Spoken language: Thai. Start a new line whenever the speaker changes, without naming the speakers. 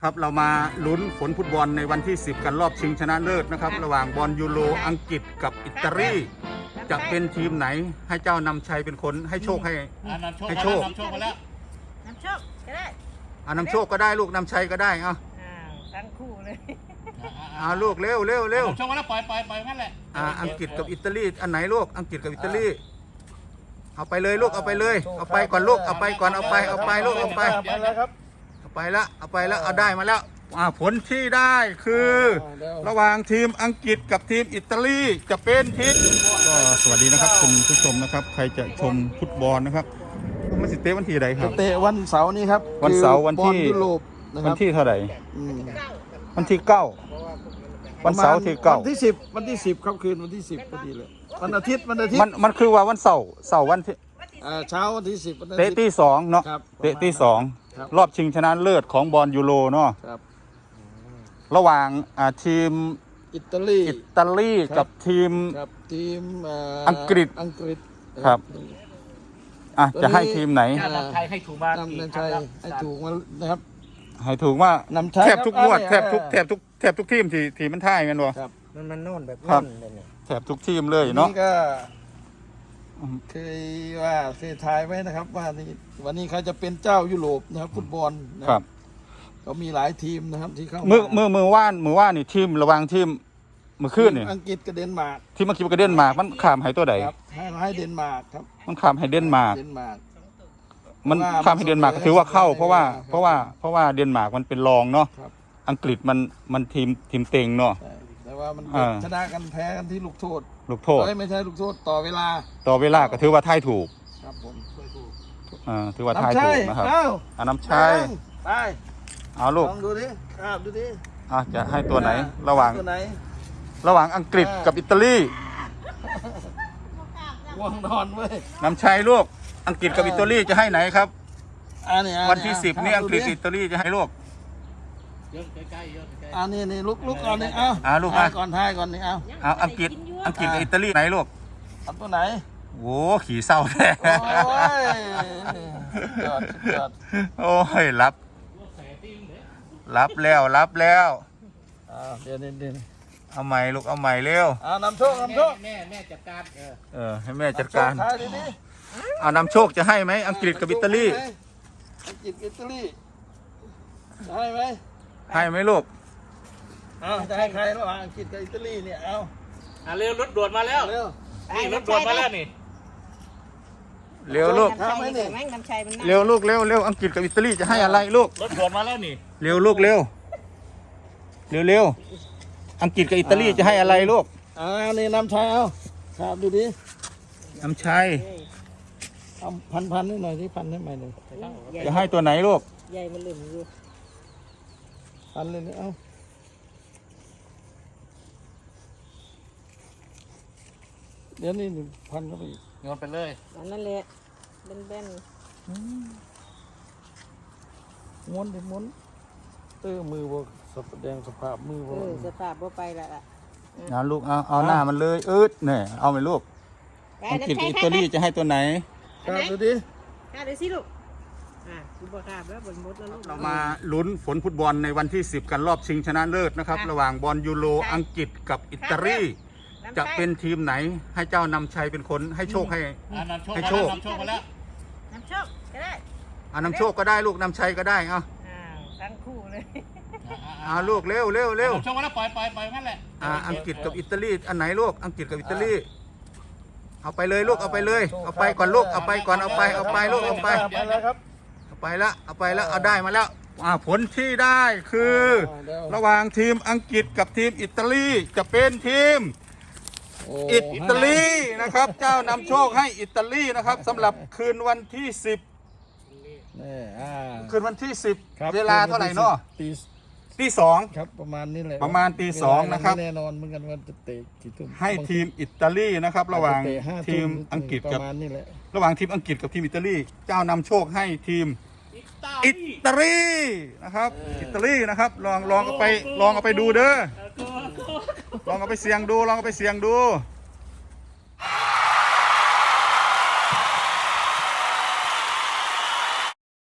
ครับเรามาลุ้นผลฟุตบอลในวันที่ 10 กันรอบชิงชนะเลิศนะครับระหว่างบอลยูโรอังกฤษกับอิตาลีจะเป็นทีมไหนให้เจ้านำชัยเป็นคนให้โชคให้โชคน
ำโชคมาแล้ว
นำโชคก็ได้
นำโชคก็ได้ลูกนำชัยก็ได้เอา
ทั้งคู่เลย
ลูกเร็วเร็วเร็วน
ำโชคมาแล้วปล่อยงั้นแหละ
อังกฤษกับอิตาลีอันไหนลูกอังกฤษกับอิตาลีเอาไปเลยลูกเอาไปเลยเอาไปก่อนลูกเอาไปก่อนเอาไปลูกเอาไป
แล้วครับ
เอาไปแล้วเอาได้มาแล้วผลที่ได้คือระหว่างทีมอังกฤษกับทีมอิตาลีจะเป็นทีมก็สวัสดีนะครับคุณผู้ชมนะครับใครจะชมฟุตบอลนะครับมันสิเตะวันที่ใดครับ
เตะวันเสาร์นี้ครับ
วันเสาร์วันที่
ยุโรป
วันที่เท่าไหร่วันที่9วันเสาร์ที่9
วันที่10ครับคืนวันที่10พอดีเลยวันอาทิตย์
มันคือว่าวันเสาร์วันที่
เช้าวันที่10
เตะที่2เนาะเตะที่2รอบชิงชนะเลิศของบอลยูโรเนาะระหว่างทีม
อิตาลี
กับทีมอังกฤษครับจะให้ทีมไหน
นำชัยให้ถูกมาน
ำชัยให้ถูกมานะครับ
ให้ถูกว่าแทบทุกงวดแทบทุกทีมที่มันท่ายกันวะ
มันโน่นแบบนั้นเลย
แทบทุกทีมเลยเนาะ
นี่ก็เคยว่าเคยทายไว้นะครับว่าวันนี้ใครจะเป็นเจ้ายุโรปนะครับฟุตบอล
นะครับ
ก็มีหลายทีมนะครับที่เข้า
มือว่านนี่ทีมระวังทีมมือขึ้นนี่
อังกฤษกับเดนมาร์ก
ทีมอังกฤษกับเดนมาร์กมันข้ามให้ตัวใด
ให้เดนมาร์กครับ
มันข้ามให้เดนมาร์กมันข้ามให้เดนมาร์กถือว่าเข้าเพราะว่าเดนมาร์กมันเป็นรองเนาะอังกฤษมันทีมเต็งเนาะ
แต่ว่ามันชนะกันแพ้กันที่ลูกโทษไม่ใช่ลูกโทษต่อเวลา
ก็ถือว่าทายถูก
ครับผม
ถือว่าทายถูกนะครับน้ำชัย
ไป
เอาลูก
ลองดูดิดูดิ
จะให้ตัวไหนระหว่างอังกฤษกับอิตาลี
วงนอนเว้ย
น้ำชัยลูกอังกฤษกับอิตาลีจะให้ไหนครับวันที่10นี่อังกฤษอิตาลีจะให้ลูก
นี่ลุกก่อนนี่
ลูก
ก่อนท้ายก่อนนี่
อังกฤษกับอิตาลีไหนลูก
เอาตัวไหน
โว้ขี่เศร้าแท้โอ้ยรับแล้ว
เดี๋ยว
เอาใหม่ลูกเอาใหม่เร็วน
ำโชค
แม่จัดการ
ให้แม่จัดการนำโชคจะให้ไหมอังกฤษกับอิตาลี
อังกฤษอิตาลีให้ไหม
ลูก
จะให้ใครระหว่างอังกฤษกับอิตาลีเนี่ย
เร็วรถด่วนมาแล้วนี่รถด่วนมาแล้วนี่
เร็วลูกเร็วลูกเร็วอังกฤษกับอิตาลีจะให้อะไรลูก
รถด่วนมาแล้วนี่
เร็วลูกเร็วอังกฤษกับอิตาลีจะให้อะไรลูก
นี่น้ำชัยครับดูดิ
น้ำชัย
เอาพันนิดหน่อยที่พันให้ใหม่เลย
จะให้ตัวไหนลูก
ใหญ่มันลืมอยู่
พันเลยนี่เดี๋ยวนี้พันเข้าไปอีก
โยนไปเลย
นั่นแหละเบน
ม้วนมือแสดงสภาพมือ
สภาพไปละ
ลูกเอาหน้ามันเลยเนี่ยเอาไปลูกอังกฤษกับอิตาลีจะให้ตัวไหน
ดูดิ
ดูสิลูกคุณบอกครับแล้วบนมดแล้วลูก
เรามาลุ้นผลฟุตบอลในวันที่ 10 กันรอบชิงชนะเลิศนะครับระหว่างบอลยูโรอังกฤษกับอิตาลีจะเป็นทีมไหนให้เจ้านำชัยเป็นคนให้โชคให้โชคน
ำโชคมาแล้ว
นำโชคก็ได้
นำโชคก็ได้ลูกนำชัยก็ได้
ทั้งคู่เลย
ลูกเร็ว
นำโชคมาแล้วปล่อยงั้นแหละ
อังกฤษกับอิตาลีอันไหนลูกอังกฤษกับอิตาลีเอาไปเลยลูกเอาไปเลยเอาไปก่อนลูกเอาไปก่อนเอาไปลูกเอาไป
แล้วครับ
เอาไปแล้วเอาได้มาแล้วผลที่ได้คือระหว่างทีมอังกฤษกับทีมอิตาลีจะเป็นทีมอิตาลีนะครับเจ้านำโชคให้อิตาลีนะครับสำหรับคืนวันที่10คืนวันที่10เวลาเท่าไหร่เนาะตี 2
ครับประมาณนี้แหละ
ประมาณตี 2นะครับ
แน่นอนเหมือนกันว่าจะเตะกี่ทุ่ม
ให้ทีมอิตาลีนะครับระหว่างทีมอังกฤษกับระหว่างทีมอังกฤษกับทีมอิตาลีเจ้านำโชคให้ทีมอิตาลีนะครับอิตาลีนะครับลองเอาไปดูเด้อลองเอาไปเสี่ยงดู